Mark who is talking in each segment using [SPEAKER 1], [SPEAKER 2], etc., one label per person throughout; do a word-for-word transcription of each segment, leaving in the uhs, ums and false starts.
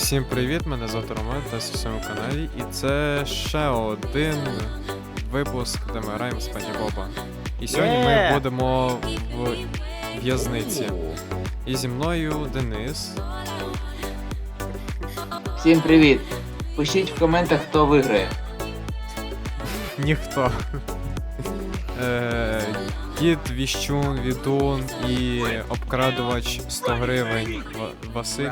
[SPEAKER 1] Всім привіт, мене звати Роман, та на своєму каналі, і це ще один випуск, де ми граємо з Пані Боба. І сьогодні ми будемо в в'язниці. І зі мною Денис.
[SPEAKER 2] Всім привіт! Пишіть в коментах, хто виграє.
[SPEAKER 1] Ніхто. Е, Кіт, Віщун, Відун і обкрадувач сто гривень Ва- Василь.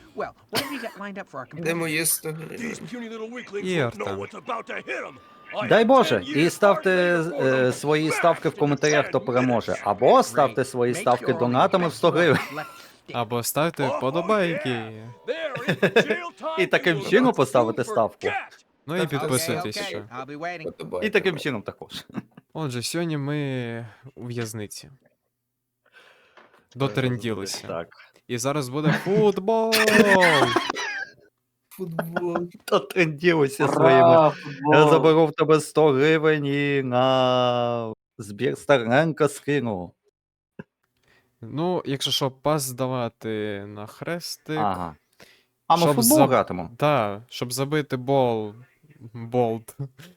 [SPEAKER 3] Де мої сто гривень?
[SPEAKER 1] І Артем.
[SPEAKER 4] Дай Боже, і ставте е, свої ставки в коментарях, хто переможе. Або ставте свої ставки донатами в сто гривень.
[SPEAKER 1] Або ставте вподобайки.
[SPEAKER 4] І таким чином поставити ставку.
[SPEAKER 1] Ну і підписуйтесь
[SPEAKER 3] окей.
[SPEAKER 1] ще.
[SPEAKER 3] Подобається.
[SPEAKER 4] І таким чином також.
[SPEAKER 1] Отже, сьогодні ми у в'язниці. Дотренділися.
[SPEAKER 4] Так.
[SPEAKER 1] І зараз буде футбол!
[SPEAKER 3] Футбол.
[SPEAKER 4] То тренділося своїми.
[SPEAKER 2] Ура, футбол!
[SPEAKER 4] Я заберу в тебе сто гривень і на збір старенько скину.
[SPEAKER 1] Ну, якщо що, пас здавати на хрестик.
[SPEAKER 4] Ага. А ми в
[SPEAKER 1] Щоб
[SPEAKER 4] футбол
[SPEAKER 1] за-
[SPEAKER 4] гратимо?
[SPEAKER 1] Так, щоб забити бол. Болт.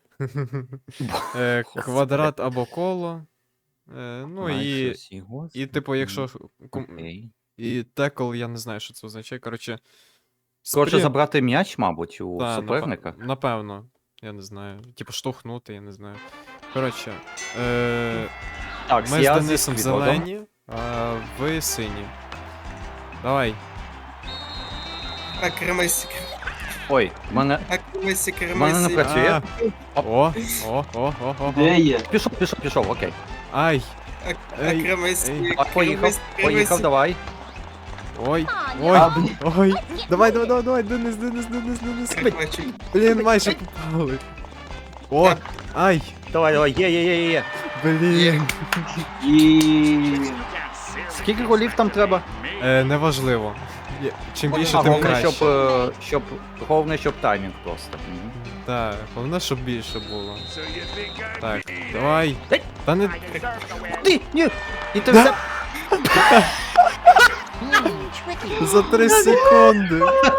[SPEAKER 1] Е, Квадрат або коло. Е, Ну і. І, типу, якщо. ком-
[SPEAKER 4] Окей.
[SPEAKER 1] І текл, я не знаю, що це означає. Коротше.
[SPEAKER 4] Коротше,
[SPEAKER 1] сприн-
[SPEAKER 4] забрати м'яч, мабуть, у
[SPEAKER 1] Та,
[SPEAKER 4] суперника.
[SPEAKER 1] напе- Напевно. Я не знаю. Типу, штовхнути, я не знаю. Коротше. Е...
[SPEAKER 4] Так,
[SPEAKER 1] Ми з
[SPEAKER 4] я зі
[SPEAKER 1] Денисом
[SPEAKER 4] Свідодом.
[SPEAKER 1] зелені, а ви сині. Давай.
[SPEAKER 3] А кремесик.
[SPEAKER 4] Ой, в мене,
[SPEAKER 3] А кремесик,
[SPEAKER 4] в мене не
[SPEAKER 3] кремесик.
[SPEAKER 4] працює.
[SPEAKER 1] А. О, о, о, о, о,
[SPEAKER 2] Де
[SPEAKER 1] о.
[SPEAKER 2] є?
[SPEAKER 4] Пішов, пішов, пішов, окей.
[SPEAKER 1] Ай.
[SPEAKER 3] А
[SPEAKER 1] Ей,
[SPEAKER 3] кремесик.
[SPEAKER 1] ей.
[SPEAKER 4] А, поїхав, поїхав, давай.
[SPEAKER 1] Ой. Ой.
[SPEAKER 2] А, блін.
[SPEAKER 1] Ой. Давай, давай, давай, давай, Денис, Денис, Денис, Денис.
[SPEAKER 3] Кремачик.
[SPEAKER 1] Блін, майже попали. О, ай.
[SPEAKER 4] Давай, давай, є, є, є, є.
[SPEAKER 1] Блін.
[SPEAKER 2] І...
[SPEAKER 4] Скільки голів там треба?
[SPEAKER 1] Е, неважливо. Є- Чим більше,
[SPEAKER 4] А
[SPEAKER 1] тим
[SPEAKER 4] головне,
[SPEAKER 1] краще.
[SPEAKER 4] щоб, е, щоб, головне, щоб таймінг просто. Мгм.
[SPEAKER 1] Так, головне, щоб більше було. Так, давай.
[SPEAKER 4] Ей.
[SPEAKER 1] Та не.
[SPEAKER 4] Ти, ні, і ти все...
[SPEAKER 1] За три секунди.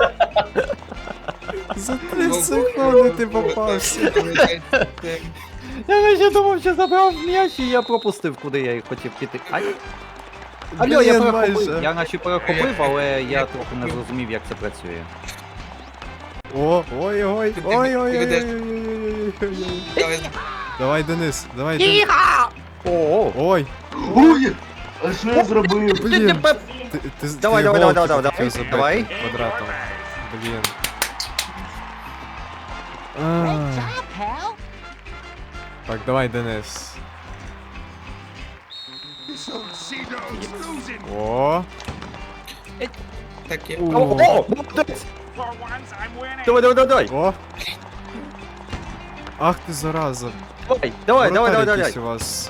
[SPEAKER 1] За три секунди ти попався.
[SPEAKER 4] Я ще думав, що забрав м'яч, і я пропустив, куди я хотів піти. Ай. Алло, я
[SPEAKER 1] Блін,
[SPEAKER 4] перехопив,
[SPEAKER 1] майже.
[SPEAKER 4] я наче перехопив, але я трохи не зрозумів, як це працює.
[SPEAKER 1] О, ой, ой,
[SPEAKER 3] Ти
[SPEAKER 1] ой, ой, ой,
[SPEAKER 3] ведеш.
[SPEAKER 1] ой, ой, ой, ой.
[SPEAKER 3] Давай,
[SPEAKER 1] Давай, Денис, давай, Денис.
[SPEAKER 4] О,
[SPEAKER 1] Ой,
[SPEAKER 2] Ой! А що я зробив?
[SPEAKER 1] блін. Ти, ти,
[SPEAKER 4] Давай,
[SPEAKER 1] ти
[SPEAKER 4] давай,
[SPEAKER 1] гол
[SPEAKER 4] давай, давай,
[SPEAKER 1] хотів
[SPEAKER 4] давай,
[SPEAKER 1] забити
[SPEAKER 4] давай.
[SPEAKER 1] Квадратом. Блін. А. Так, давай, Денис. О,
[SPEAKER 3] так я.
[SPEAKER 4] о, о, молодець! Давай, давай, давай, давай,
[SPEAKER 1] о. Ах ти зараза.
[SPEAKER 4] давай, давай, давай,
[SPEAKER 1] Воротар
[SPEAKER 4] давай,
[SPEAKER 1] якийсь
[SPEAKER 4] давай.
[SPEAKER 1] у вас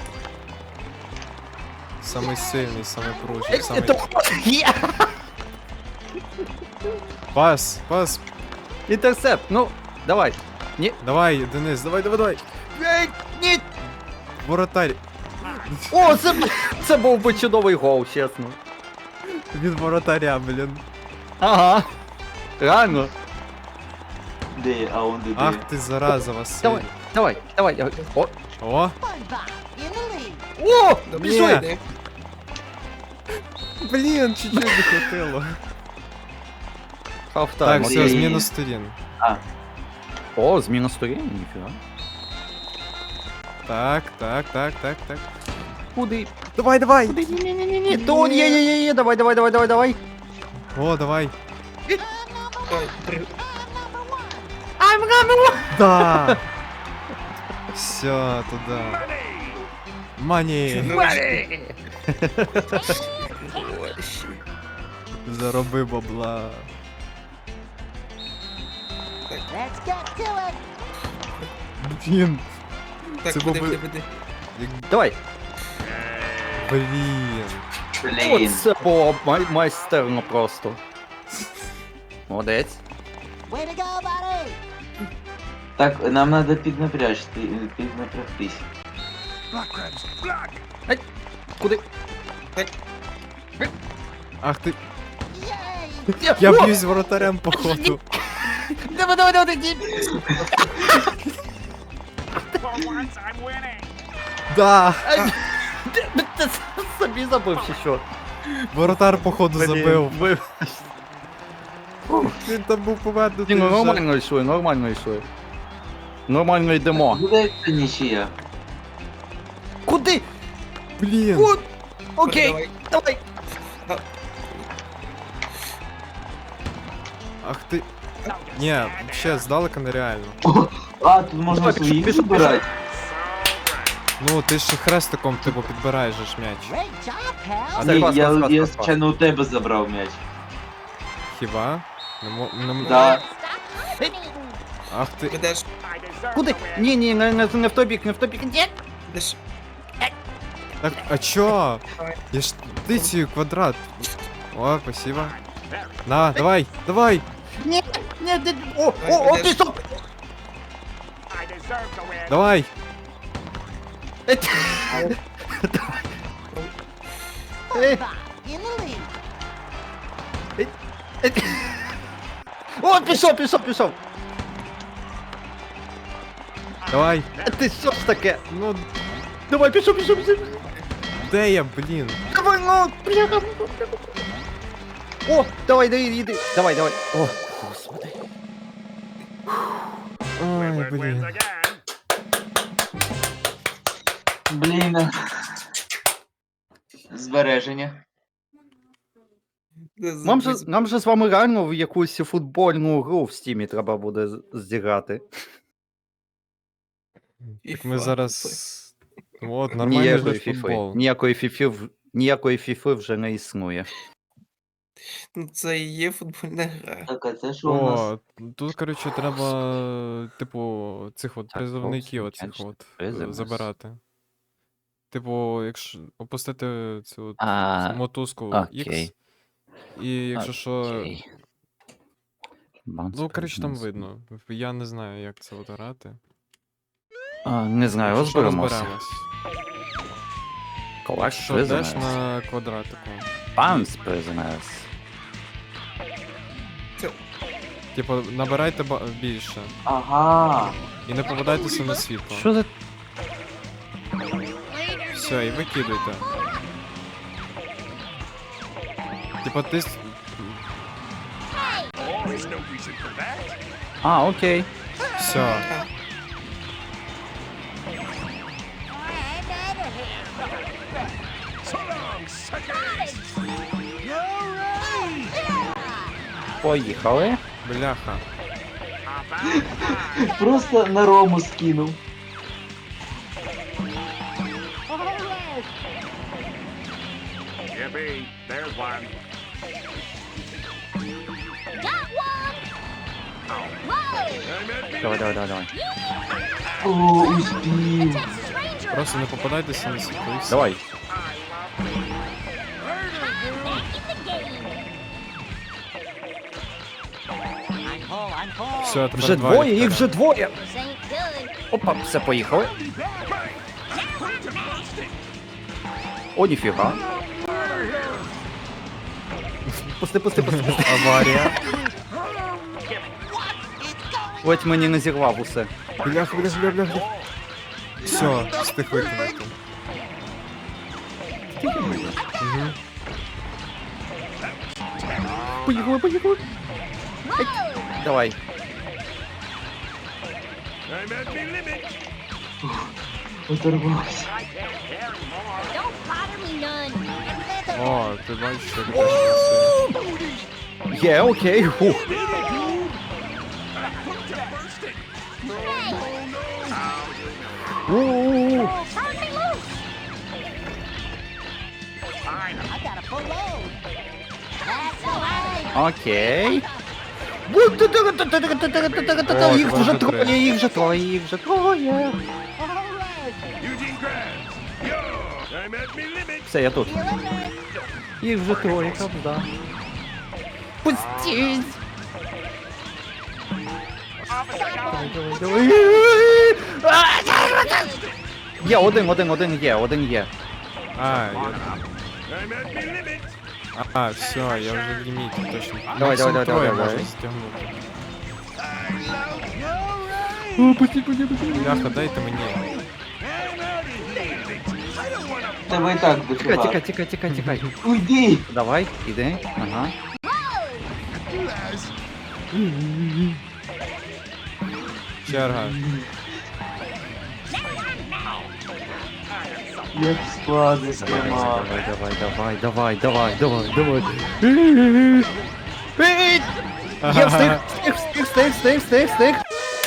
[SPEAKER 1] самий сильний, самий пружний,
[SPEAKER 4] Ей,
[SPEAKER 1] самий...
[SPEAKER 4] то- Є!
[SPEAKER 1] Пас, пас.
[SPEAKER 4] Інтерсепт, ну, давай.
[SPEAKER 1] Давай, Денис, давай, давай, давай.
[SPEAKER 4] Ей, ні!
[SPEAKER 1] Воротарь.
[SPEAKER 4] О, це, це був би чудовий гол, чесно.
[SPEAKER 1] Від воротаря, блін.
[SPEAKER 4] Ага. Реально.
[SPEAKER 2] Де є? А он де де?
[SPEAKER 1] Ах ти зараза, Василь.
[SPEAKER 4] Давай, давай, давай. я- О,
[SPEAKER 1] О,
[SPEAKER 4] о,
[SPEAKER 3] Добре,
[SPEAKER 1] Ні.
[SPEAKER 3] йде.
[SPEAKER 1] блін, чуть-чуть не хватило.
[SPEAKER 4] Хафтайм,
[SPEAKER 1] Так,
[SPEAKER 4] окей.
[SPEAKER 1] все, зміна сторін.
[SPEAKER 4] О, зміна сторін, ніфіга.
[SPEAKER 1] Так, так, так, так, так.
[SPEAKER 4] Куди?
[SPEAKER 1] Давай, давай.
[SPEAKER 4] Куди? Ні-ні-ні-ні. То, є, є, є, є, давай, давай, давай, давай, давай.
[SPEAKER 1] О, давай.
[SPEAKER 3] Ой, при-
[SPEAKER 1] Да. Все, туда. Мані.
[SPEAKER 3] Ой, щі.
[SPEAKER 1] Зароби бабла. Блін.
[SPEAKER 3] Так,
[SPEAKER 1] Це
[SPEAKER 3] куди,
[SPEAKER 1] був
[SPEAKER 3] куди,
[SPEAKER 1] би-
[SPEAKER 3] куди?
[SPEAKER 1] як-
[SPEAKER 4] Давай.
[SPEAKER 1] Блін.
[SPEAKER 2] Блін.
[SPEAKER 4] Оце було май- майстерно просто. Молодець.
[SPEAKER 2] Так, нам треба піднапряжти, піднапрягтись.
[SPEAKER 4] Куди?
[SPEAKER 1] Ах ти. Я б'юсь з воротарем, походу.
[SPEAKER 4] Давай, давай, давай, давай.
[SPEAKER 1] Да!
[SPEAKER 4] Ти собі забив чи що?
[SPEAKER 1] Воротар, походу, забив.
[SPEAKER 4] Блін,
[SPEAKER 1] Він там був повернутий
[SPEAKER 4] Ні, ну
[SPEAKER 1] вже.
[SPEAKER 4] нормально йшли, нормально йшли. Нормально йдемо.
[SPEAKER 2] Буде це нічия.
[SPEAKER 4] Куди?
[SPEAKER 1] Блін.
[SPEAKER 4] От. Окей,
[SPEAKER 3] Давай.
[SPEAKER 4] давай.
[SPEAKER 1] Ах ти. Ні, ще здалека нереально.
[SPEAKER 2] А, тут можна
[SPEAKER 4] Давай,
[SPEAKER 2] своїх
[SPEAKER 4] пішов, пішов.
[SPEAKER 2] збирати.
[SPEAKER 1] Ну, ти ж хрестиком, типу, підбираєш же ж м'яч.
[SPEAKER 4] А
[SPEAKER 2] Ні,
[SPEAKER 4] це клас,
[SPEAKER 2] я,
[SPEAKER 4] клас, клас,
[SPEAKER 2] я
[SPEAKER 4] клас.
[SPEAKER 2] звичайно у тебе забрав м'яч.
[SPEAKER 1] Хіба? Не мо... не м-
[SPEAKER 2] Да.
[SPEAKER 1] Ах ти.
[SPEAKER 3] Підеш,
[SPEAKER 4] Куди? Ні, ні, не, не, не в той бік, не в той бік. Ні.
[SPEAKER 3] підеш.
[SPEAKER 1] Так, а чо? Я ж ти ці квадрат. О, спасибо. На, давай, давай!
[SPEAKER 4] Ні, ні, ні. О, о, о, пішов.
[SPEAKER 1] Давай!
[SPEAKER 4] Е, О, пішов, пішов, пішов.
[SPEAKER 1] Давай!
[SPEAKER 4] Е, Ти що ж таке?
[SPEAKER 1] Ну,
[SPEAKER 4] Давай, пішов, пішов, пішов.
[SPEAKER 1] де я, блін?
[SPEAKER 4] Давай, ну, бляха. О, давай, давай, іди. Давай, давай. О, господи.
[SPEAKER 1] Ой, блін.
[SPEAKER 2] Блін. Збереження.
[SPEAKER 4] Нам же, нам же з вами реально в якусь футбольну гру в стімі треба буде з- зіграти.
[SPEAKER 1] Так ми зараз. От, нормальний
[SPEAKER 4] Ніякої
[SPEAKER 1] же
[SPEAKER 4] фіфи.
[SPEAKER 1] футбол.
[SPEAKER 4] Ніякої фіфи, в- ніякої фіфи вже не існує.
[SPEAKER 3] Ну, це і є футбольна гра.
[SPEAKER 2] Так, а це що у нас?
[SPEAKER 1] О, тут, коротше, треба, типу, цих от
[SPEAKER 4] Так,
[SPEAKER 1] призовників
[SPEAKER 4] хлопці,
[SPEAKER 1] оцих от е,
[SPEAKER 4] призовниць.
[SPEAKER 1] забирати. Типу, якщо опустити цю от
[SPEAKER 4] А,
[SPEAKER 1] мотузку
[SPEAKER 4] окей.
[SPEAKER 1] X, і якщо що.
[SPEAKER 4] окей. Bounce
[SPEAKER 1] Ну, коротше, там
[SPEAKER 4] Prisons.
[SPEAKER 1] видно. Я не знаю, як це от грати.
[SPEAKER 4] А, не знаю,
[SPEAKER 1] Якщо що,
[SPEAKER 4] розберемося.
[SPEAKER 1] розберемось.
[SPEAKER 4] Collect
[SPEAKER 1] Що йдеш
[SPEAKER 4] Prisoners.
[SPEAKER 1] на квадратику.
[SPEAKER 4] Bounce Prisoners.
[SPEAKER 1] Типу, набирайте ба- більше.
[SPEAKER 2] Ага.
[SPEAKER 1] І не попадайтеся на світло.
[SPEAKER 4] Що за...
[SPEAKER 1] Все, і викидуйте. Типа ти. с-
[SPEAKER 4] А, окей.
[SPEAKER 1] Все.
[SPEAKER 4] Поїхали.
[SPEAKER 1] Бляха.
[SPEAKER 2] Просто на рому скинув.
[SPEAKER 5] Yippee, there's one.
[SPEAKER 4] Давай, давай, давай, давай.
[SPEAKER 2] О, успів.
[SPEAKER 1] Просто не попадайтеся на світло і все.
[SPEAKER 4] Давай.
[SPEAKER 1] Все, тепер
[SPEAKER 4] Вже
[SPEAKER 1] два
[SPEAKER 4] двоє,
[SPEAKER 1] ліхтаря.
[SPEAKER 4] їх вже двоє. Опа, все, поїхали. О, ніфіга. Пусти, пусти, пусти, пусти.
[SPEAKER 1] Аварія.
[SPEAKER 4] Ледь мені не зірвав усе.
[SPEAKER 1] Бляха, бляха, бляха, бляха. Все, встиг викинути. Угу.
[SPEAKER 4] Поїхали, поїхали. Ей, давай.
[SPEAKER 5] I'm at me limit.
[SPEAKER 2] Оторвався.
[SPEAKER 1] О, ти бачиш, як теж працює.
[SPEAKER 4] Є, окей. Фух. У-у-у. Окей.
[SPEAKER 1] О,
[SPEAKER 4] Їх вже
[SPEAKER 1] два, три.
[SPEAKER 4] троє, їх вже троє, їх вже троє.
[SPEAKER 5] Eugene Krabs. Yo, I'm at me limit.
[SPEAKER 4] Все, я тут. Їх вже троє, правда. Пустіть. Давай, давай, давай. Є, один, один, один є, один є.
[SPEAKER 1] А, я...
[SPEAKER 5] I'm at me limit.
[SPEAKER 1] А, все, я вже в ліміті, точно.
[SPEAKER 4] Давай,
[SPEAKER 1] Максимум
[SPEAKER 4] давай, давай,
[SPEAKER 1] троє
[SPEAKER 4] давай,
[SPEAKER 1] можу
[SPEAKER 4] давай.
[SPEAKER 1] стягнути.
[SPEAKER 4] О, пусти, пусти, пусти.
[SPEAKER 1] Бляха, дайте мені.
[SPEAKER 2] Тебе і так
[SPEAKER 4] Тікай,
[SPEAKER 2] дофіга.
[SPEAKER 4] тікай, тікай, тікай, тікай.
[SPEAKER 2] Уйди!
[SPEAKER 4] Давай, іди. Ага.
[SPEAKER 1] Черга.
[SPEAKER 2] Як складно
[SPEAKER 4] Давай,
[SPEAKER 2] сприймав.
[SPEAKER 4] давай, давай, давай, давай, давай, давай, давай. Я встиг, встиг, встиг, встиг, встиг, встиг, встиг.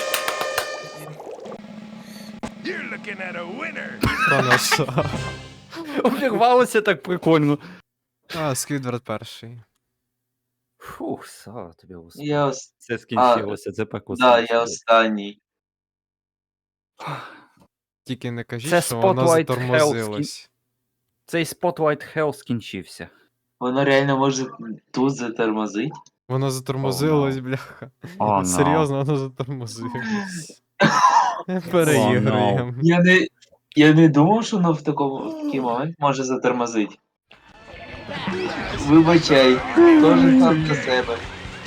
[SPEAKER 5] You're looking at a winner.
[SPEAKER 1] Пронесла.
[SPEAKER 4] Обірвалося так прикольно.
[SPEAKER 1] А, Сквідвард перший.
[SPEAKER 4] Фух, слава тобі, Господи.
[SPEAKER 2] Я ос...
[SPEAKER 4] Це скінчилося, це пекло
[SPEAKER 2] Да, я
[SPEAKER 4] скінчилося.
[SPEAKER 2] останній.
[SPEAKER 1] Тільки не кажіть,
[SPEAKER 4] Це
[SPEAKER 1] що воно
[SPEAKER 4] Spotlight
[SPEAKER 1] затормозилось.
[SPEAKER 4] Цей Spotlight Hell скінчився.
[SPEAKER 2] Воно реально може тут затормозить.
[SPEAKER 1] Воно затормозилось, бляха.
[SPEAKER 4] О, no.
[SPEAKER 1] Серйозно, воно затормозилось. Переігруємо.
[SPEAKER 2] Я не... Я не думав, що воно в такому в такий момент може затормозити. Вибачай, кожен сам за себе.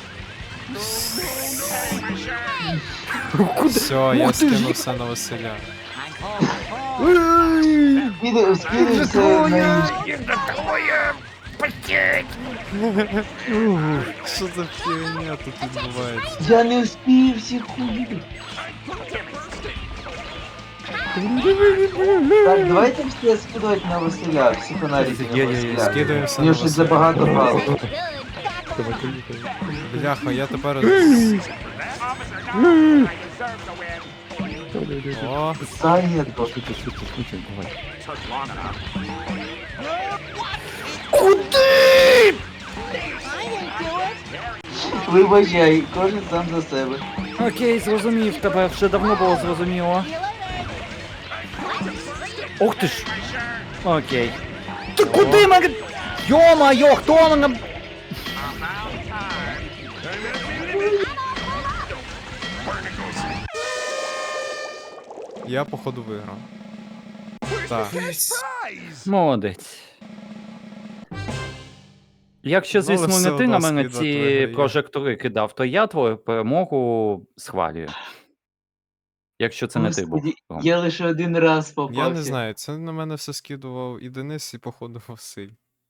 [SPEAKER 1] Все, я скинувся на Василя.
[SPEAKER 2] Скидай, скидай все на ніж.
[SPEAKER 1] Що за фігня тут відбувається?
[SPEAKER 2] Я не встиг всіх убити. Так, давайте все скидувати на Василя, всі фонарики на
[SPEAKER 4] Є-є-є,
[SPEAKER 2] Василя.
[SPEAKER 1] Скидаємося
[SPEAKER 2] Мені
[SPEAKER 1] на
[SPEAKER 2] щось
[SPEAKER 1] Василя.
[SPEAKER 2] забагато балів.
[SPEAKER 1] Бляха, я тепер... О,
[SPEAKER 2] Зайнято. Вибачай, кожен сам за себе.
[SPEAKER 4] Окей, зрозумів тебе, вже давно було зрозуміло. Ух ти ж! Окей. Ти куди мене? Йо-майо, хто мене?
[SPEAKER 1] я походу виграв. Так.
[SPEAKER 4] Молодець. Якщо,
[SPEAKER 1] Ну, але
[SPEAKER 4] звісно,
[SPEAKER 1] все
[SPEAKER 4] не ти на
[SPEAKER 1] одно
[SPEAKER 4] мене
[SPEAKER 1] Сквідвард
[SPEAKER 4] ці
[SPEAKER 1] виграє.
[SPEAKER 4] прожектори кидав, то я твою перемогу схвалюю. Якщо це не ти був.
[SPEAKER 2] Господи,
[SPEAKER 4] Ром.
[SPEAKER 2] я лише один раз попався.
[SPEAKER 1] Я не знаю, це на мене все скидував і Денис, і походу Василь.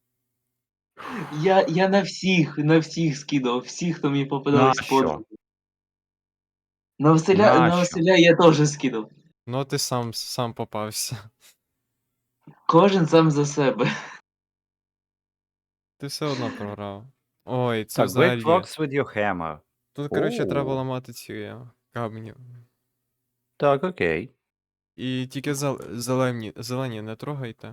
[SPEAKER 2] Я, я на всіх, на всіх скидав, всіх, хто мені попадав
[SPEAKER 4] На
[SPEAKER 2] з под.
[SPEAKER 4] що?
[SPEAKER 2] На Василя,
[SPEAKER 4] На
[SPEAKER 2] на
[SPEAKER 4] що?
[SPEAKER 2] Василя я теж скидав.
[SPEAKER 1] Ну, ти сам, сам попався.
[SPEAKER 2] Кожен сам за себе.
[SPEAKER 1] Ти все одно програв. Ой, це
[SPEAKER 4] Так,
[SPEAKER 1] взагалі.
[SPEAKER 4] break rocks with your hammer.
[SPEAKER 1] Тут, коротше, треба
[SPEAKER 4] Оу.
[SPEAKER 1] ламати ці е, камні.
[SPEAKER 4] Так, окей.
[SPEAKER 1] І тільки зел- зелені, зелені не трогайте.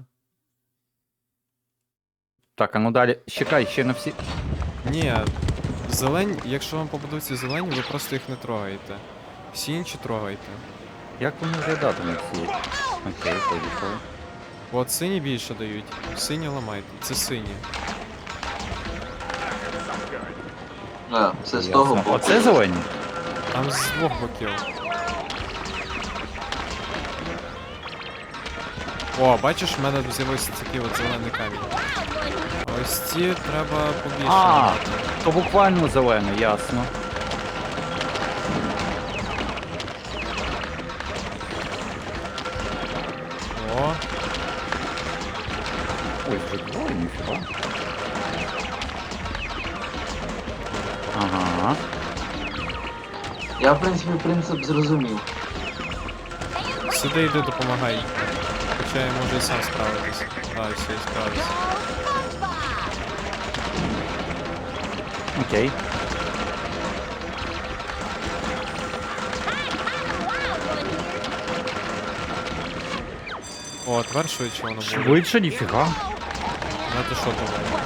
[SPEAKER 4] Так, а ну далі. Чекай, ще на всі.
[SPEAKER 1] Ні, зелень, якщо вам попадуться зелені, ви просто їх не трогаєте. Всі інші трогайте.
[SPEAKER 4] Як вони виглядатимуть ці? Окей, поїхали.
[SPEAKER 1] От сині більше дають. Сині ламайте. Це сині.
[SPEAKER 2] А, це з того
[SPEAKER 4] Ясно.
[SPEAKER 2] боку.
[SPEAKER 4] Оце зелені?
[SPEAKER 1] Там з двох боків. О, бачиш, в мене з'явився такий от зелений камінь. Ось ці треба побільше.
[SPEAKER 4] А,
[SPEAKER 1] ламати.
[SPEAKER 4] то буквально зелений, ясно.
[SPEAKER 1] О,
[SPEAKER 4] Ой, вже двоє, ніфіга. Ага.
[SPEAKER 2] Я, в принципі, принцип зрозумів.
[SPEAKER 1] сюди йди, допомагай. Хоча я можу і сам справитись. А, все, я справився.
[SPEAKER 4] Окей.
[SPEAKER 1] О, тепер швидше воно буде.
[SPEAKER 4] Швидше, ніфіга.
[SPEAKER 1] Ну ти що думав?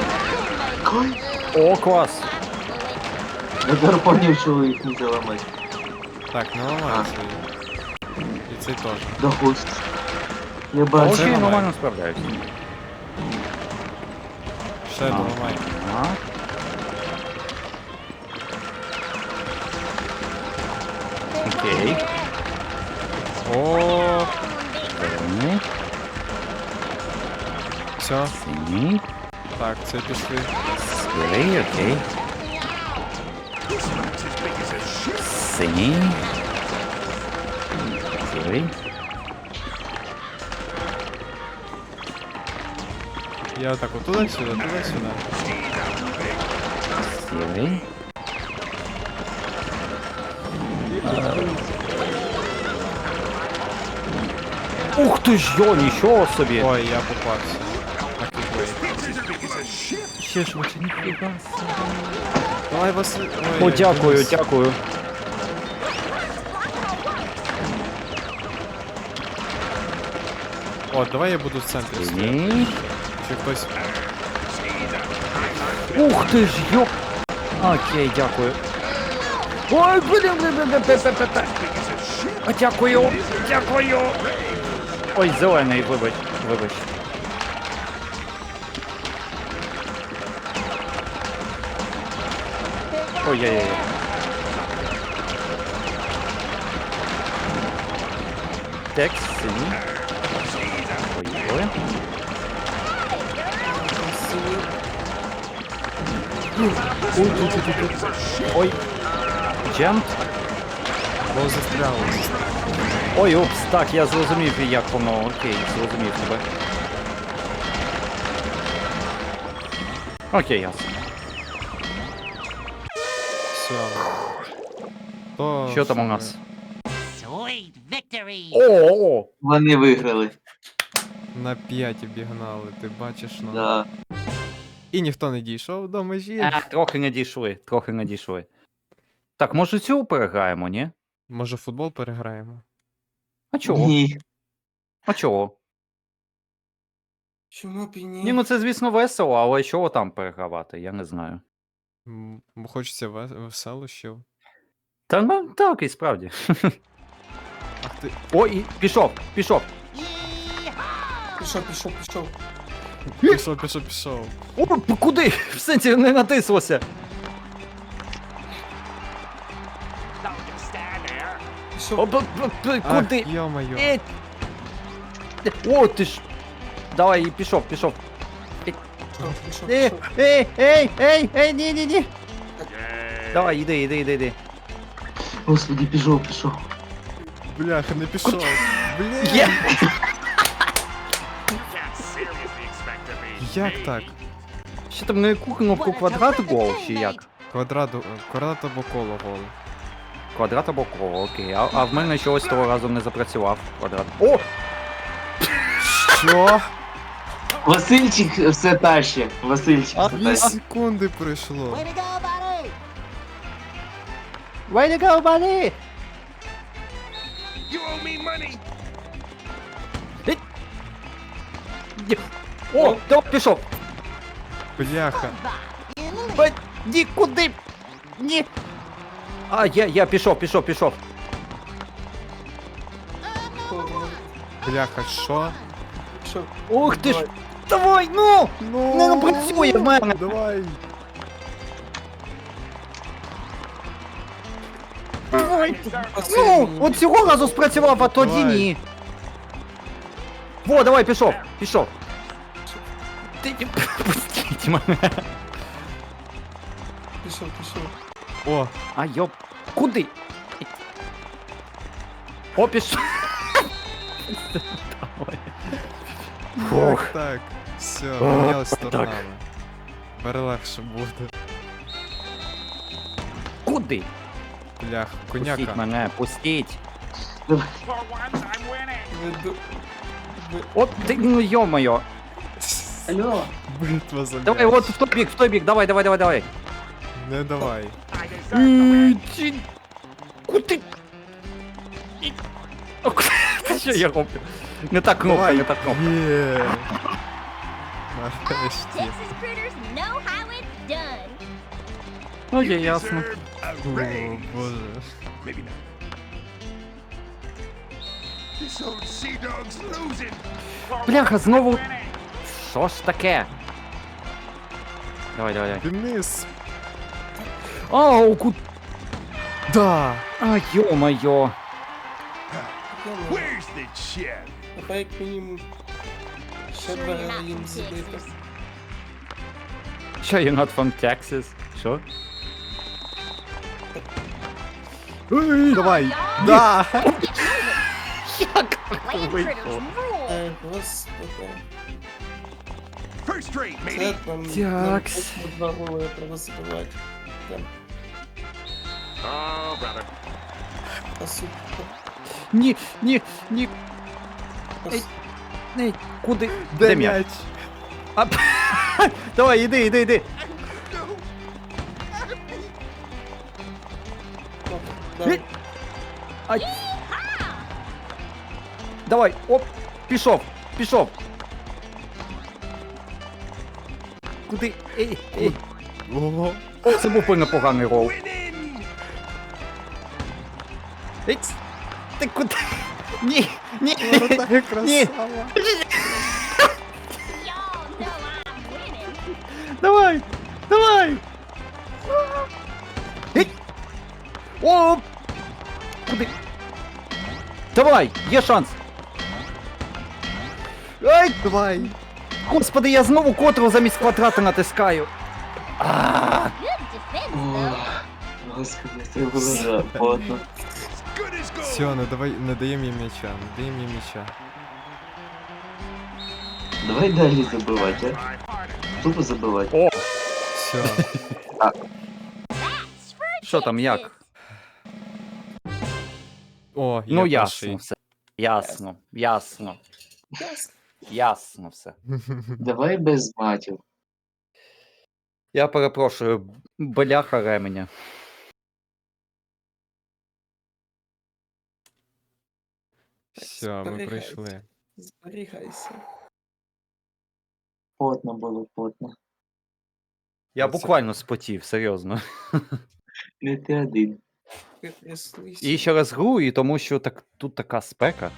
[SPEAKER 4] О, клас.
[SPEAKER 2] Я тепер поняв, що ви їх не заламати.
[SPEAKER 1] Так, не ламається її. І цей теж.
[SPEAKER 2] Да хуй. Я бачу.
[SPEAKER 4] Окей,
[SPEAKER 1] ламай.
[SPEAKER 4] нормально справляюсь.
[SPEAKER 1] Ще доламай.
[SPEAKER 4] Ага. Окей.
[SPEAKER 1] О,
[SPEAKER 4] Зелений.
[SPEAKER 1] все.
[SPEAKER 4] Синій.
[SPEAKER 1] Так, це пішли.
[SPEAKER 4] Сірий, окей. Синій. Сірий.
[SPEAKER 1] Я так от туди-сюди, туди-сюди.
[SPEAKER 4] Сірий. Ух ти ж йо, нічого собі!
[SPEAKER 1] Ой, я попався. На кіквей.
[SPEAKER 4] Ще ж лучше ніфіга.
[SPEAKER 1] Давай, Василь. Ой,
[SPEAKER 4] О,
[SPEAKER 1] я
[SPEAKER 4] дякую,
[SPEAKER 1] дивлюсь.
[SPEAKER 4] дякую.
[SPEAKER 1] О, давай я буду в центрі стояти.
[SPEAKER 4] Синій.
[SPEAKER 1] Чи хтось.
[SPEAKER 4] Ух ти ж йо! Окей, дякую. Ой, блін, блін, блін, блін, блін, блін, блін. А, дякую, дякую. Ой, зелений, вибач, вибач. Ой-ой-ой. Текст, синій. Ой-ой. Ой. Джемп.
[SPEAKER 1] Бо застряли.
[SPEAKER 4] Ой, упс, так, я зрозумів, як воно. Окей, зрозумів тебе. Окей, ясно.
[SPEAKER 1] Все. То,
[SPEAKER 4] Що там у
[SPEAKER 1] ми-
[SPEAKER 4] нас?
[SPEAKER 6] Sweet victory!
[SPEAKER 4] О!
[SPEAKER 2] Вони виграли.
[SPEAKER 1] На п'ять обігнали, ти бачиш, ну.
[SPEAKER 2] Да.
[SPEAKER 1] І ніхто не дійшов до межі.
[SPEAKER 4] А, трохи не дійшли, трохи не дійшли. Так, може цю переграємо, ні?
[SPEAKER 1] Може футбол переграємо?
[SPEAKER 4] А чого?
[SPEAKER 2] Ні.
[SPEAKER 4] А чого?
[SPEAKER 3] Чому б і ні?
[SPEAKER 4] Ні, ну це, звісно, весело, але чого там перегравати, я не знаю.
[SPEAKER 1] М, Бо хочеться ве- веселощів.
[SPEAKER 4] Та ну так, і справді.
[SPEAKER 1] Ах ти.
[SPEAKER 4] О, і пішов, пішов.
[SPEAKER 3] Пішов, пішов, пішов.
[SPEAKER 1] Пішов, пішов, пішов.
[SPEAKER 4] О, п- куди? В сенсі не натислося.
[SPEAKER 3] Пішов.
[SPEAKER 4] О, п- п- п- куди?
[SPEAKER 1] Ах, йо-моє.
[SPEAKER 4] Е, О, ти ж. Давай, і пішов, пішов.
[SPEAKER 3] Пішов, пішов,
[SPEAKER 4] Ей,
[SPEAKER 3] пішов.
[SPEAKER 4] ей, ей, ей, ей, ні, ні, ні. Давай, іди, іди, іди, іди.
[SPEAKER 2] Господи, пішов, пішов.
[SPEAKER 1] Бляха, не пішов. Бля.
[SPEAKER 4] Є.
[SPEAKER 1] Як так?
[SPEAKER 4] Що там на яку кнопку квадрат гол, чи як?
[SPEAKER 1] Квадрат, квадрат або коло гол.
[SPEAKER 4] Квадрат або коло, окей. А, а в мене чогось того разу не запрацював квадрат. О!
[SPEAKER 1] Що?
[SPEAKER 2] Васильчик все таще. Васильчик
[SPEAKER 4] А,
[SPEAKER 2] все
[SPEAKER 1] Дві
[SPEAKER 2] таще.
[SPEAKER 1] секунди пройшло.
[SPEAKER 4] Way to go, buddy!
[SPEAKER 5] You owe me money!
[SPEAKER 4] О, давай, пішов!
[SPEAKER 1] Бляха.
[SPEAKER 4] Ба- Ні, куди? Ні! А, я, я пішов, пішов, пішов.
[SPEAKER 1] Бляха, що?
[SPEAKER 3] Пішов.
[SPEAKER 4] Ух ти ж! Давай, ну!
[SPEAKER 1] Ну,
[SPEAKER 4] Не ну, працює в мене!
[SPEAKER 1] Давай.
[SPEAKER 4] Давай!
[SPEAKER 3] Оце
[SPEAKER 4] Ну,
[SPEAKER 3] мені.
[SPEAKER 4] от цього разу спрацював, а тоді
[SPEAKER 1] Давай.
[SPEAKER 4] ні. Во, давай, пішов, пішов. Ти пустіть мене.
[SPEAKER 3] Пішов, пішов.
[SPEAKER 1] О,
[SPEAKER 4] А йоп, куди? О, пішов. Давай. Фух.
[SPEAKER 1] як так? Все,
[SPEAKER 4] О,
[SPEAKER 1] помінялись
[SPEAKER 4] так.
[SPEAKER 1] сторонами. Тепер легше буде.
[SPEAKER 4] Куди?
[SPEAKER 1] Блях,
[SPEAKER 4] Пустіть
[SPEAKER 1] коняка.
[SPEAKER 4] мене, пустіть.
[SPEAKER 3] Веду. Ви-
[SPEAKER 4] От ти, ну йо-моє.
[SPEAKER 2] Алло.
[SPEAKER 1] Битва за
[SPEAKER 4] Давай,
[SPEAKER 1] м'яч.
[SPEAKER 4] от в той бік, в той бік, давай, давай, давай, давай.
[SPEAKER 1] Не давай.
[SPEAKER 4] Е, чи- Куди? І- О, Що я роблю? Не та кнопка, не та кнопка.
[SPEAKER 1] Є. Нарешті.
[SPEAKER 7] Texas critters know how it's done.
[SPEAKER 4] Ну, є ясно.
[SPEAKER 1] О, боже.
[SPEAKER 5] Maybe not. This old sea dog's losing!
[SPEAKER 4] Бляха, знову. Що ж таке? Давай, давай, давай.
[SPEAKER 1] Денис.
[SPEAKER 4] Ау, ку...
[SPEAKER 1] Да.
[SPEAKER 4] А, йо-моє.
[SPEAKER 3] Я не-
[SPEAKER 5] Where's the chef?
[SPEAKER 3] Тепер як мінімум ще
[SPEAKER 7] Sure
[SPEAKER 3] два
[SPEAKER 7] you're not
[SPEAKER 3] героїн
[SPEAKER 7] from
[SPEAKER 3] забити.
[SPEAKER 7] Texas.
[SPEAKER 4] Що, you're not from Texas? Що?
[SPEAKER 1] Давай! Да!
[SPEAKER 7] Land critters rule.
[SPEAKER 3] Е, господи.
[SPEAKER 5] First rate,
[SPEAKER 3] Це
[SPEAKER 5] matey.
[SPEAKER 3] там
[SPEAKER 4] Тякс.
[SPEAKER 3] нам два голи треба забивати. Там,
[SPEAKER 5] Oh, brother.
[SPEAKER 3] а сука.
[SPEAKER 4] Ні, ні, ні.
[SPEAKER 3] а
[SPEAKER 4] Ей.
[SPEAKER 3] с-
[SPEAKER 4] Ей, куди? Де м'яч? А, давай, іди, іди, іди.
[SPEAKER 3] Давай.
[SPEAKER 4] Ай. Давай, оп, пішов, пішов. Куди? Ей, ей.
[SPEAKER 1] Ого!
[SPEAKER 4] О, це був непоганий рол.
[SPEAKER 5] Winning.
[SPEAKER 4] Ей, ти куди? Ні, ні,
[SPEAKER 1] Вратар
[SPEAKER 4] ні.
[SPEAKER 1] красава!
[SPEAKER 7] Y'all know I'm winning.
[SPEAKER 4] Давай, давай. Ей. О, куди? Давай, є шанс. Ай,
[SPEAKER 1] Давай!
[SPEAKER 4] господи, я знову котру замість квадрата натискаю. А,
[SPEAKER 7] Good defense,
[SPEAKER 2] О,
[SPEAKER 7] though.
[SPEAKER 2] господи, це було за потно.
[SPEAKER 5] As good as gold.
[SPEAKER 1] Все, не давай, не даємо їм м'яча, не даємо їм м'яча.
[SPEAKER 2] Давай далі забивати, а? Тупо забивати.
[SPEAKER 1] Все.
[SPEAKER 7] That's for
[SPEAKER 4] що там, як?
[SPEAKER 1] О, я
[SPEAKER 4] Ну
[SPEAKER 1] перший.
[SPEAKER 4] ясно все. Ясно, ясно,
[SPEAKER 3] Ясно.
[SPEAKER 4] ясно все.
[SPEAKER 2] Давай без матів.
[SPEAKER 4] Я перепрошую, бляха ременя.
[SPEAKER 1] Все, ми
[SPEAKER 3] зберігайте.
[SPEAKER 1] прийшли.
[SPEAKER 3] Зберігайся.
[SPEAKER 2] Потно було, потно.
[SPEAKER 4] Я
[SPEAKER 1] Це-
[SPEAKER 4] буквально спотів, серйозно.
[SPEAKER 2] Не ти один.
[SPEAKER 3] Ти тряслися.
[SPEAKER 4] І ще раз гру, і тому що так, тут така спека.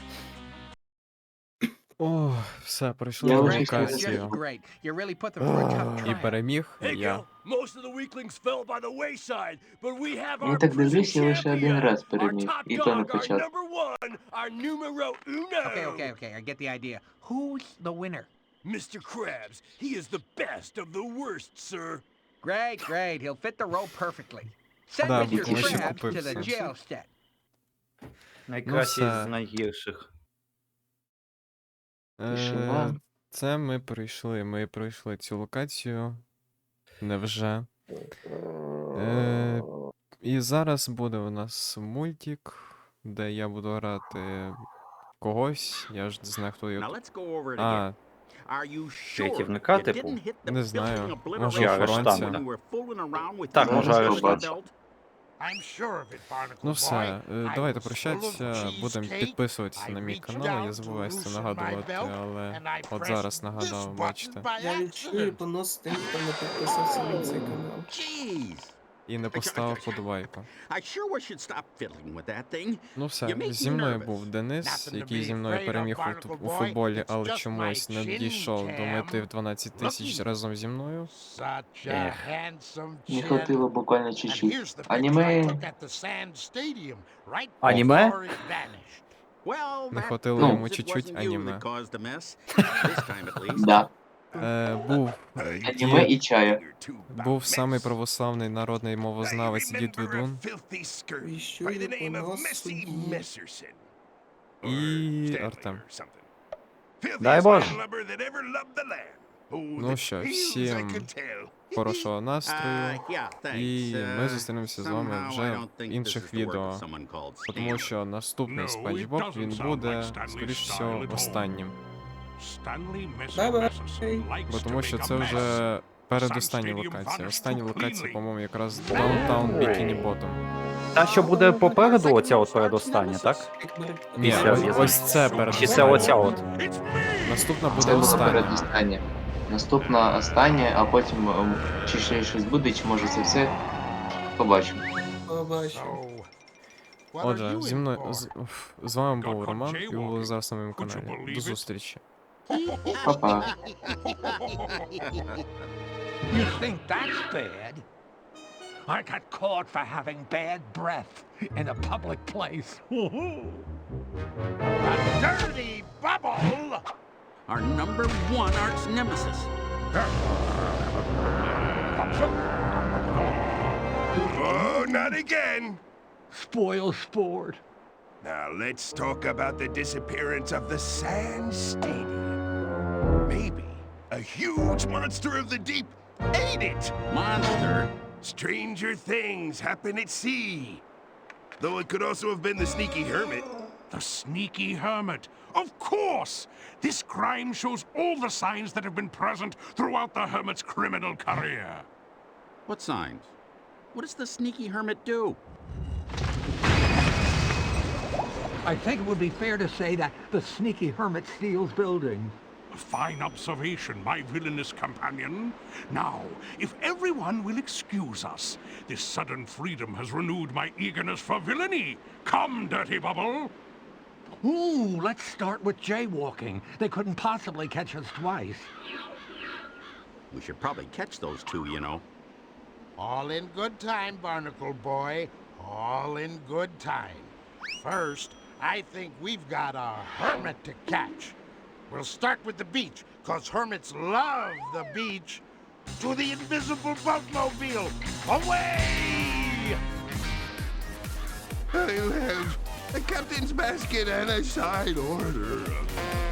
[SPEAKER 1] О, все, пройшли
[SPEAKER 2] Я
[SPEAKER 1] на
[SPEAKER 2] вже
[SPEAKER 1] локацію.
[SPEAKER 6] Great. You really put them through a tough
[SPEAKER 1] І
[SPEAKER 6] trial.
[SPEAKER 1] переміг
[SPEAKER 5] Hey,
[SPEAKER 1] я.
[SPEAKER 5] Gil, most of the weaklings fell by the wayside, but we have
[SPEAKER 2] Ну
[SPEAKER 5] our
[SPEAKER 2] так
[SPEAKER 5] prison
[SPEAKER 2] дивись, я лише один
[SPEAKER 5] champion,
[SPEAKER 2] раз
[SPEAKER 5] our
[SPEAKER 2] переміг.
[SPEAKER 5] top
[SPEAKER 2] І то на
[SPEAKER 5] dog, our
[SPEAKER 2] початку.
[SPEAKER 5] number one, our numero uno.
[SPEAKER 6] Okay, okay, okay. I get the idea. Who's the winner?
[SPEAKER 5] Mister Krabs, he is the best of the worst, sir.
[SPEAKER 6] Great, great. He'll fit the role perfectly. Send
[SPEAKER 1] Да,
[SPEAKER 6] Mister
[SPEAKER 2] бо ще
[SPEAKER 6] Krabs to
[SPEAKER 1] купив
[SPEAKER 6] the
[SPEAKER 1] все.
[SPEAKER 6] jail sted.
[SPEAKER 4] Найкращий
[SPEAKER 1] все.
[SPEAKER 4] з найгірших.
[SPEAKER 1] Е,
[SPEAKER 2] Тишина.
[SPEAKER 1] Це ми пройшли. Ми пройшли цю локацію. Невже. Е, І зараз буде у нас мультик, де я буду грати когось. Я ж не знаю, хто
[SPEAKER 8] Now
[SPEAKER 1] його.
[SPEAKER 8] let's go over it again.
[SPEAKER 1] А,
[SPEAKER 8] Are you sure
[SPEAKER 4] Рятівника,
[SPEAKER 8] you
[SPEAKER 4] типу?
[SPEAKER 8] didn't hit the
[SPEAKER 1] Не
[SPEAKER 8] building
[SPEAKER 1] знаю.
[SPEAKER 8] obliteration
[SPEAKER 1] Може,
[SPEAKER 4] арештанта.
[SPEAKER 8] when you were fooling around with
[SPEAKER 4] Так,
[SPEAKER 8] your
[SPEAKER 2] може,
[SPEAKER 8] pistol
[SPEAKER 2] арештанта.
[SPEAKER 8] belt?
[SPEAKER 5] I'm sure of it, Barnacle
[SPEAKER 1] ну
[SPEAKER 5] boy.
[SPEAKER 1] все, е,
[SPEAKER 5] I
[SPEAKER 1] давайте
[SPEAKER 5] was full
[SPEAKER 1] прощатися.
[SPEAKER 5] of
[SPEAKER 1] Будемо
[SPEAKER 5] cheesecake.
[SPEAKER 1] підписуватися
[SPEAKER 5] I
[SPEAKER 1] на мій
[SPEAKER 5] reached
[SPEAKER 1] канал. Я
[SPEAKER 5] down
[SPEAKER 1] забуваю
[SPEAKER 5] to
[SPEAKER 1] це
[SPEAKER 5] loosen my
[SPEAKER 1] нагадувати,
[SPEAKER 5] belt,
[SPEAKER 1] але
[SPEAKER 5] and I
[SPEAKER 1] от
[SPEAKER 5] pressed
[SPEAKER 1] зараз
[SPEAKER 5] this
[SPEAKER 1] нагадав,
[SPEAKER 5] button
[SPEAKER 1] бачите.
[SPEAKER 5] by
[SPEAKER 3] Я відчую
[SPEAKER 5] accident.
[SPEAKER 3] понос тим, хто не підписався на цей канал.
[SPEAKER 8] Jeez.
[SPEAKER 1] І не поставив подобайку.
[SPEAKER 8] I sure wish you'd stop fiddling with that thing.
[SPEAKER 1] Ну
[SPEAKER 8] You
[SPEAKER 1] все,
[SPEAKER 8] make
[SPEAKER 1] зі
[SPEAKER 8] me
[SPEAKER 1] мною
[SPEAKER 8] nervous.
[SPEAKER 1] був Денис,
[SPEAKER 5] Nothing to
[SPEAKER 1] який
[SPEAKER 5] be
[SPEAKER 1] зі мною
[SPEAKER 5] afraid of,
[SPEAKER 1] переміг у,
[SPEAKER 5] Barnacle
[SPEAKER 1] у
[SPEAKER 5] boy.
[SPEAKER 1] футболі,
[SPEAKER 5] It's
[SPEAKER 1] але
[SPEAKER 5] just
[SPEAKER 1] чомусь не
[SPEAKER 5] my
[SPEAKER 1] дійшов до
[SPEAKER 5] chin
[SPEAKER 1] мети в
[SPEAKER 5] jam.
[SPEAKER 1] дванадцять тисяч разом зі мною.
[SPEAKER 5] Such a
[SPEAKER 4] Ех.
[SPEAKER 5] handsome
[SPEAKER 2] Не
[SPEAKER 5] chin.
[SPEAKER 2] хватило буквально
[SPEAKER 5] And
[SPEAKER 2] чуть-чуть.
[SPEAKER 5] here's the picture I
[SPEAKER 2] Аніме.
[SPEAKER 5] took at the Sand Stadium, right
[SPEAKER 4] Аніме?
[SPEAKER 5] before it vanished.
[SPEAKER 8] Well,
[SPEAKER 1] Не
[SPEAKER 8] that
[SPEAKER 1] хватило
[SPEAKER 2] Ну.
[SPEAKER 1] йому
[SPEAKER 8] proves it
[SPEAKER 1] чуть-чуть
[SPEAKER 8] wasn't you
[SPEAKER 1] аніме.
[SPEAKER 8] that caused the mess. This time at least.
[SPEAKER 2] Да.
[SPEAKER 1] Е, був
[SPEAKER 2] Аніме і чая.
[SPEAKER 1] був самий православний народний мовознавець Дід Ведун
[SPEAKER 3] Віщує понос судді.
[SPEAKER 1] і Артем.
[SPEAKER 4] Дай Боже.
[SPEAKER 1] Ну що, всім хорошого
[SPEAKER 8] Uh,
[SPEAKER 1] настрою.
[SPEAKER 8] yeah, thanks.
[SPEAKER 1] І ми
[SPEAKER 8] Uh,
[SPEAKER 1] зустрінемося з вами
[SPEAKER 8] somehow I
[SPEAKER 1] вже
[SPEAKER 8] don't
[SPEAKER 1] в
[SPEAKER 8] think this
[SPEAKER 1] інших
[SPEAKER 8] is the work of
[SPEAKER 1] відео.
[SPEAKER 8] someone called
[SPEAKER 1] Тому
[SPEAKER 8] Stanley.
[SPEAKER 1] що наступний
[SPEAKER 5] No,
[SPEAKER 1] Спанч
[SPEAKER 5] it
[SPEAKER 1] Боб
[SPEAKER 5] doesn't
[SPEAKER 1] він
[SPEAKER 5] sound
[SPEAKER 1] буде,
[SPEAKER 5] like Stanley's
[SPEAKER 1] скоріш
[SPEAKER 5] style
[SPEAKER 1] всього,
[SPEAKER 5] at all.
[SPEAKER 1] останнім.
[SPEAKER 3] Бай-бай.
[SPEAKER 1] Бо тому що це вже передостання локація. Остання локація, по-моєму, якраз Downtown Bikini Bottom.
[SPEAKER 4] Та, що буде попереду, оця от передостання, так?
[SPEAKER 1] Ні,
[SPEAKER 4] Після
[SPEAKER 1] ось,
[SPEAKER 4] в'язниці.
[SPEAKER 1] ось це
[SPEAKER 4] Чи це
[SPEAKER 1] передостання.
[SPEAKER 4] оця от?
[SPEAKER 1] Наступна буде
[SPEAKER 2] Це було
[SPEAKER 1] остання.
[SPEAKER 2] передостання. Наступна остання, а потім ем, чи ще щось буде, чи може це все. Побачимо.
[SPEAKER 3] Побачимо.
[SPEAKER 1] Отже, зі мною з, уф, з вами був Роман, і ви були зараз на моєму
[SPEAKER 5] Would you
[SPEAKER 1] каналі.
[SPEAKER 5] believe
[SPEAKER 1] До
[SPEAKER 5] it?
[SPEAKER 1] зустрічі.
[SPEAKER 2] Па-па.
[SPEAKER 9] You think that's bad? I got caught for having bad breath in a public place.
[SPEAKER 5] A dirty bubble!
[SPEAKER 8] Our number one arch nemesis.
[SPEAKER 5] Oh, not again.
[SPEAKER 9] Spoil sport.
[SPEAKER 5] Now let's talk about the disappearance of the Sand Stadium. Maybe a huge monster of the deep ate it.
[SPEAKER 8] Monster?
[SPEAKER 5] Stranger things happen at sea. Though it could also have been the sneaky hermit.
[SPEAKER 9] The sneaky hermit. Of course! This crime shows all the signs that have been present throughout the hermit's criminal career.
[SPEAKER 8] What signs? What does the sneaky hermit do?
[SPEAKER 9] I think it would be fair to say that the sneaky hermit steals buildings. A fine observation, my villainous companion. Now, if everyone will excuse us, this sudden freedom has renewed my eagerness for villainy. Come, Dirty Bubble. Ooh, let's start with jaywalking. They couldn't possibly catch us twice.
[SPEAKER 8] We should probably catch those two, you know.
[SPEAKER 10] All in good time, Barnacle Boy. All in good time. First, I think we've got a hermit to catch. We'll start with the beach, cause hermits love the beach. To the invisible boatmobile! Away!
[SPEAKER 5] I'll have a captain's basket and a side order.